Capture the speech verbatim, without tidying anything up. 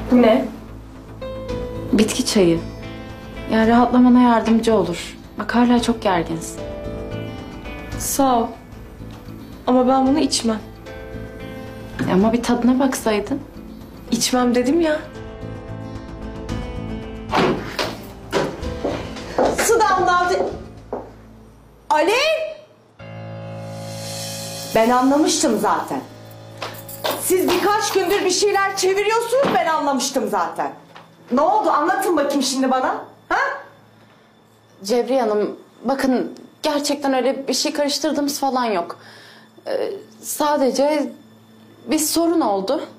Bu ne? Bitki çayı. Yani rahatlamana yardımcı olur. Bak hala çok gerginsin. Sağ ol. Ama ben bunu içmem. Ama bir tadına baksaydın. İçmem dedim ya. Su damladı. Alev! Ben anlamıştım zaten. Siz birkaç gündür bir şeyler çeviriyorsunuz, ben anlamıştım zaten. Ne oldu? Anlatın bakayım şimdi bana. Ha? Cevriye Hanım, bakın gerçekten öyle bir şey karıştırdığımız falan yok. Ee, sadece bir sorun oldu.